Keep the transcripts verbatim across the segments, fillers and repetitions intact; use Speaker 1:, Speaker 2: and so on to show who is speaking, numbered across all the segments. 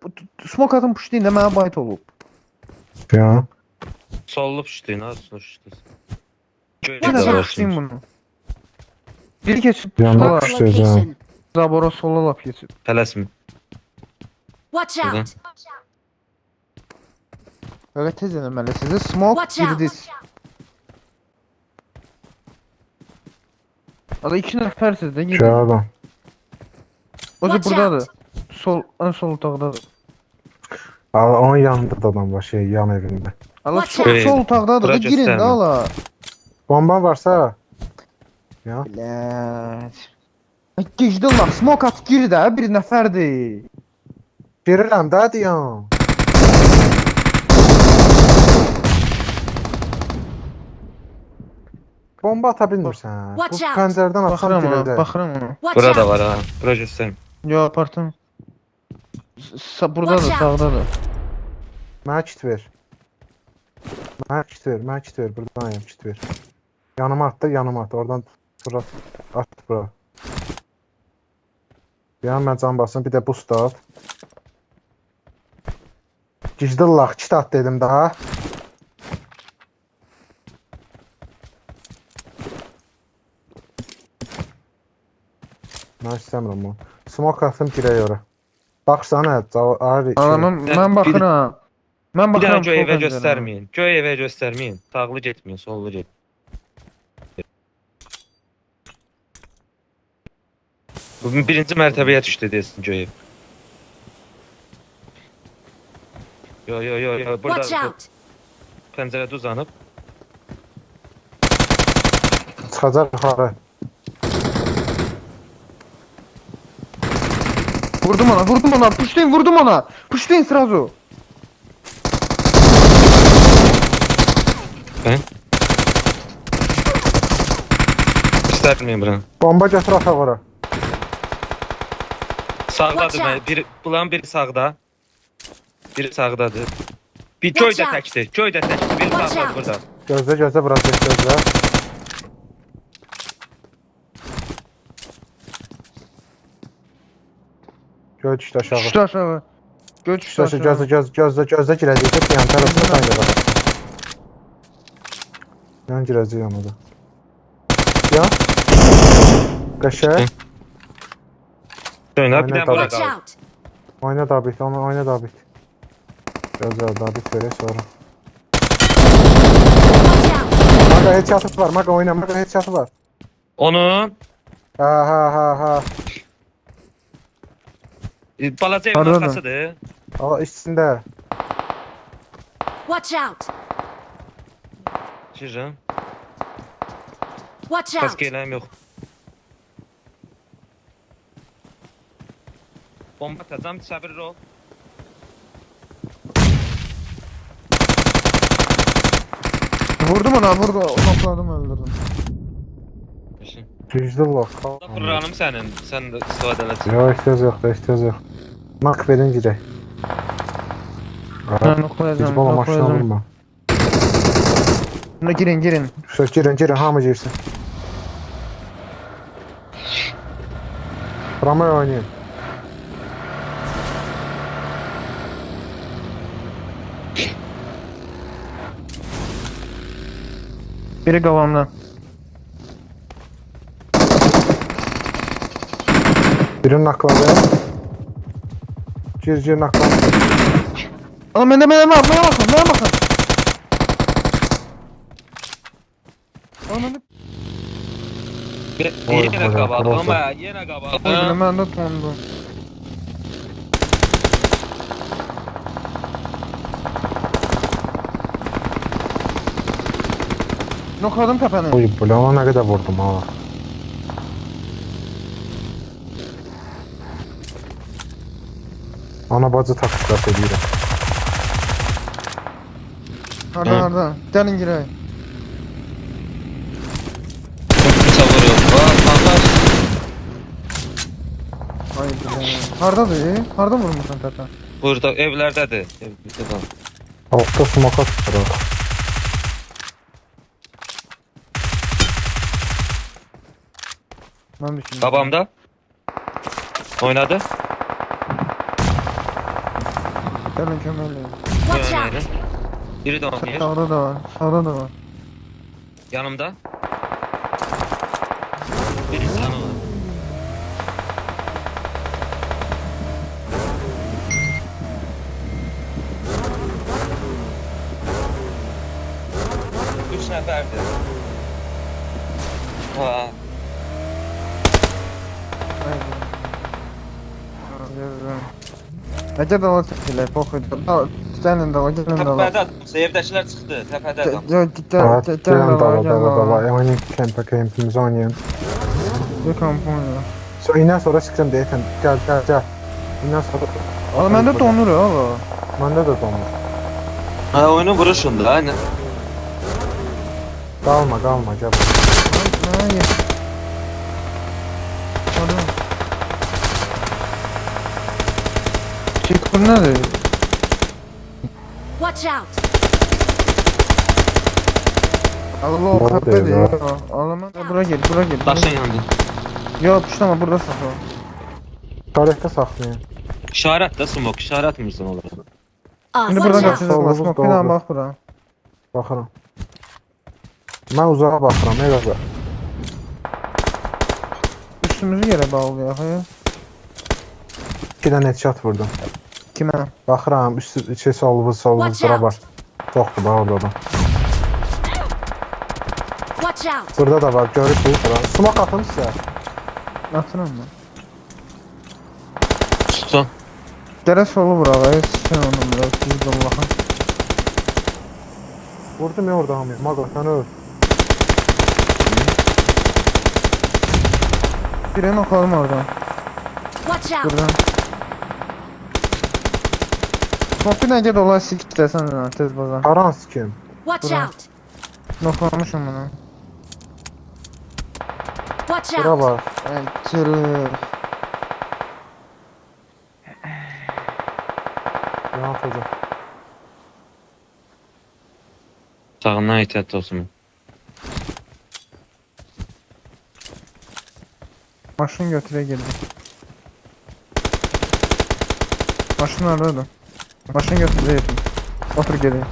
Speaker 1: smoke atın pushlayın da mənə bayt olub.
Speaker 2: Ya.
Speaker 3: Sollu piştin ha, sonuçta.
Speaker 1: Bir
Speaker 3: Göyle de
Speaker 1: nəfər
Speaker 3: var
Speaker 1: pushlayın
Speaker 3: şimdi.
Speaker 1: bunu. Biri keçib
Speaker 2: Yanına
Speaker 1: sola.
Speaker 2: push- Pushlayacağım.
Speaker 1: Zabora sola laf keçib.
Speaker 3: Tələsmin.
Speaker 4: Watch
Speaker 3: Buradan.
Speaker 4: out!
Speaker 1: Öyle tez eləməli sizi. Smoke
Speaker 4: Watch out.
Speaker 1: girdiniz. Ada iki nəfərsiz də
Speaker 2: Şey
Speaker 1: girdin.
Speaker 2: adam.
Speaker 1: O da
Speaker 4: Watch
Speaker 1: buradadır. Sol, ən sol otaqdadır.
Speaker 2: Aa, onun yanında da adam var şey yan evinde.
Speaker 1: Allah
Speaker 4: Watch
Speaker 1: sol,
Speaker 3: out.
Speaker 1: sol otaqdadır. Da
Speaker 3: Bura
Speaker 1: girin də
Speaker 3: göstərmə.
Speaker 1: ala.
Speaker 2: Bomba varsa. Ya.
Speaker 1: Bilət. Gecdin lan. Smoke at gir də. Bir nəfərdir.
Speaker 2: Girirəm də deyəm. Bomba ata bilmirsən. Bu
Speaker 4: Watch out.
Speaker 2: pəncərədən atsam
Speaker 1: Baxıram ona.
Speaker 2: girəcək.
Speaker 1: Baxıram ona.
Speaker 4: Watch
Speaker 3: Burada
Speaker 4: out!
Speaker 3: var ha. Bura göstərim.
Speaker 1: Yo apartım. S- Buradadır,
Speaker 4: Watch out.
Speaker 1: sağdadır.
Speaker 2: Mənə kit ver. Mənə kit ver, mənə kit ver. Buradan ayım kit ver. Yanıma at da yanıma at. Oradan bura at bura. Bir an mən can basın. Bir də boost at. Gicdillah kit at dedim daha. Mən istəmirəm onu. Smoke atım girək ora. Baxsana, Ari.
Speaker 1: Ana mən,
Speaker 3: Ben-
Speaker 1: mən baxıram. Mən
Speaker 3: Bir daha
Speaker 1: baxıram.
Speaker 3: göy
Speaker 1: sol
Speaker 3: evə
Speaker 1: pəncərəyə.
Speaker 3: göstərməyin. Göy evə göstərməyin. Sağlı getməyin, sollu get. Bu birinci mərtəbəyə düşdü desin göy ev. Yo yo yo yo burada
Speaker 4: Watch out!
Speaker 3: pəncərədə uzanıb.
Speaker 2: Çıxacaq yuxarı.
Speaker 1: Vurdum ona, vurdum ona. Pushlayın, vurdum ona. Pushlayın sразу.
Speaker 3: İstərməyin buranı.
Speaker 2: Bomba götür ataq ora.
Speaker 3: Sağdadır
Speaker 4: Watch
Speaker 3: mən.
Speaker 4: out.
Speaker 3: Biri, bulan biri sağda. Biri sağdadır. Bir
Speaker 4: Watch
Speaker 3: göy də
Speaker 4: out.
Speaker 3: təkdir. Göy də təkdir. Biri
Speaker 4: Watch
Speaker 3: sağdadır
Speaker 4: out.
Speaker 3: burada.
Speaker 2: Gözlə gözlə biraz geç gözlə. Göy düşdü aşağı.
Speaker 1: Düşdü aşağı. Göl düşdü
Speaker 2: Düşdü
Speaker 1: aşağı.
Speaker 2: gözlə göz gözlə gözlə girəcək. Yan tərəfə sən gəl. Yan girəcək yana da. Ya. Qəşəng.
Speaker 3: Oyna bir
Speaker 2: Aynen,
Speaker 3: də bura
Speaker 4: Watch
Speaker 3: qal.
Speaker 4: out!
Speaker 2: Oyna David, onu oyna David. Gözlə David verək sonra.
Speaker 4: Watch out!
Speaker 2: Maga headshot'ı var. Maga oyna. Maga headshot'ı var.
Speaker 3: Onun
Speaker 2: Ha ha ha ha.
Speaker 3: e, balaca evin
Speaker 1: Hardadır?
Speaker 3: arxasıdır.
Speaker 2: Aa içində.
Speaker 4: Watch out!
Speaker 3: Şirin.
Speaker 4: Watch out!
Speaker 3: Kask eləyim yox. Bomba atacağım, səbirli ol.
Speaker 1: Vurdum ona, vurdum. Nokladım, öldürdüm.
Speaker 3: Düşün.
Speaker 2: Güclü lock.
Speaker 3: Vuranım sənin, sən də istifadə eləsin.
Speaker 2: Yox, ehtiyac yoxdur, ehtiyac yox. Mak verin girək.
Speaker 1: Ben noklayacağım,
Speaker 2: Hizbala maşına
Speaker 1: noklayacağım.
Speaker 2: vurma.
Speaker 1: Buna girin, girin.
Speaker 2: Söz girin, girin, hamı girsin. Ramay oynayın.
Speaker 1: Biri kafamda.
Speaker 2: Birini nakladı. Gir, gir nakladı.
Speaker 1: Ana bende bende var, bana bakın, bana bakın. Ana bende...
Speaker 2: Oy,
Speaker 3: Yenə
Speaker 2: oy,
Speaker 3: qabağı,
Speaker 2: oy,
Speaker 3: amma yenə qabağı.
Speaker 1: Oy, bende tondu. Nokladım tepeni.
Speaker 2: Oy, bu ona ne kadar vurdum ha. Ana bacı taktiklat edirəm.
Speaker 1: Harda, harda. Gelin girelim.
Speaker 3: Kimsə vuruyor. Bax, Allah.
Speaker 1: Haydi. Hardadır? Harda vurmuşsun tepe?
Speaker 3: Burada evlərdədir. Evdə qal.
Speaker 2: Altta smoka tuturaq.
Speaker 1: Ben düşündüm.
Speaker 3: Qabamda. Oynadı.
Speaker 1: Gəlin kömək eləyin.
Speaker 4: Watch
Speaker 3: Görmeyelim.
Speaker 4: out!
Speaker 3: Biri de oynayır.
Speaker 1: Sağda da var. Sağda da var.
Speaker 3: Yanımda. Biri canı var. Üç neferdi. Ha.
Speaker 1: Necə dala çəkirlər, poxu. Gəlin dala, gəlin dala.
Speaker 3: Tepede evdekiler çıktı. Tepede adam.
Speaker 1: Yox, gəl,
Speaker 2: Evet,
Speaker 1: gəl
Speaker 2: gelin
Speaker 1: dala,
Speaker 2: dala
Speaker 1: gəl
Speaker 2: dala dala.
Speaker 1: dala.
Speaker 2: Oynayın kempe kempimizi oynayın.
Speaker 1: Bir kampanya.
Speaker 2: So indən sonra çıkacağım deyəsən. Gel gel gel. İndən sonra.
Speaker 1: Ala məndə donur ha, ala.
Speaker 2: Məndə də donur.
Speaker 3: Ha oyunu vuruşun da aynen.
Speaker 2: Qalma qalma gel.
Speaker 1: Hayır. Pardon. Çık bu nədir?
Speaker 4: Watch out!
Speaker 1: Allah o
Speaker 2: Ne
Speaker 1: xəbərdir
Speaker 2: oluyor
Speaker 1: ya. Ala mən bura gel, bura gel.
Speaker 3: Taşın yandı.
Speaker 1: Yox, puşlama, burada saxla.
Speaker 2: Tarihdə saxlayın.
Speaker 3: İşaret de smoke. İşaret misin orası?
Speaker 4: Uh,
Speaker 1: İndi
Speaker 4: watch
Speaker 1: buradan
Speaker 4: out!
Speaker 1: qaçacağıq,
Speaker 2: Solumuz
Speaker 1: smoke
Speaker 2: doğru.
Speaker 1: ilə bax bura.
Speaker 2: Baxıram. Mən uzağa baxıram, elə.
Speaker 1: Üstümüzü yerə bağlayaq, ya.
Speaker 2: İki dənə headshot vurdum.
Speaker 1: Kimə?
Speaker 2: Baxıram, üstü içi solumuz solumuz
Speaker 4: Watch
Speaker 2: bura
Speaker 4: out.
Speaker 2: var. Çoxdur da orada da.
Speaker 4: Watch out!
Speaker 2: Burada da var, görürsünüz bura. Smoke atın sizə.
Speaker 1: Atıram mən.
Speaker 3: Tutun.
Speaker 1: Gərək solu vuraq, ya. Sikən onu bura, düz Allah'ın.
Speaker 2: Vurdum ya orada hamı. Mago sən öl.
Speaker 1: Birini oxalım oradan.
Speaker 4: Watch out!
Speaker 1: Buradan. Smoke ilə ged olay sik istəsən də, tez baza.
Speaker 2: Aran sikim.
Speaker 4: Watch
Speaker 1: Bura.
Speaker 4: out!
Speaker 1: Noxlamışım bunu.
Speaker 4: Watch
Speaker 2: Bura
Speaker 4: out!
Speaker 2: var.
Speaker 1: Ay, çırıq.
Speaker 2: Yan atacaq.
Speaker 3: Sağından ehtiyatlı olsun.
Speaker 1: Maşın götürə girdi. Maşın haradadır? Maşın götürə yedim. Otur gedək.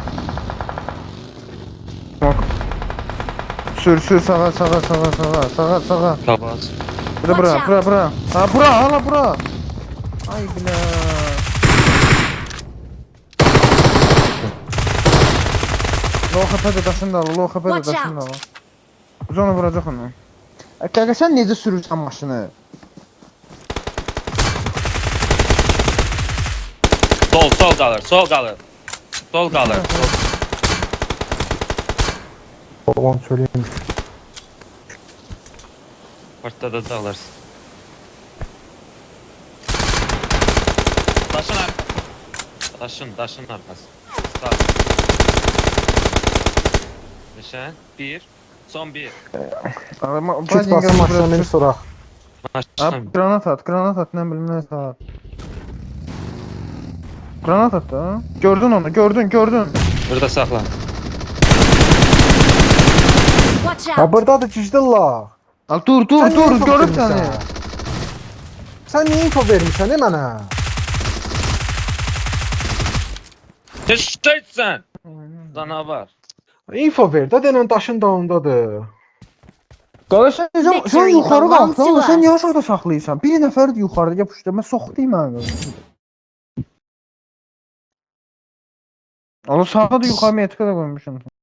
Speaker 1: Bak. Sür sür sağa sağa sağa sağa sağa sağa.
Speaker 3: Kabaz.
Speaker 1: Bura bura
Speaker 4: Watch
Speaker 1: bura bura. Ha bura hala bura. Ay bile. Lo xəpədə daşın da lo xəpədə
Speaker 4: Watch
Speaker 1: daşın da.
Speaker 4: out.
Speaker 1: Biz onu vuracaq onu. Qaqa sən necə sürürsən maşını?
Speaker 3: Sol sol kalır. Sol kalır. Sol kalır. Sol.
Speaker 2: Babam söyleyeyim.
Speaker 3: Ortada da alırsın. Taşın arkası. Taşın, taşın arkası. Sağ. Nişan. Bir. Son bir.
Speaker 1: Ama
Speaker 2: Kit basın maşına beni soraq.
Speaker 3: Maşın.
Speaker 1: Abi granat at, granat at, ne bileyim ne at. Granat at da. Gördün onu, gördün, gördün.
Speaker 3: Burada saklan.
Speaker 4: Watch
Speaker 2: Ha
Speaker 4: out!
Speaker 2: buradadır gicdillah.
Speaker 1: Al dur, dur,
Speaker 2: Sən niyə
Speaker 1: dur,
Speaker 2: info
Speaker 1: görüb
Speaker 2: vermisən?
Speaker 1: səni.
Speaker 2: Sən niyə info vermişsən e mənə?
Speaker 3: Teşkil sen. Canavar.
Speaker 2: Info ver də denən daşın dalındadır.
Speaker 1: Qala sən necə, sən
Speaker 4: Victory
Speaker 1: yuxarı
Speaker 4: belongs
Speaker 1: qalxsan,
Speaker 4: to
Speaker 1: sən
Speaker 4: us.
Speaker 1: niyə aşağıda saxlayırsan? Bir nəfər yuxarıda yapışdı, mən soxdayım mən. Ala sağa da yuxarı metrikə də qoymuşam.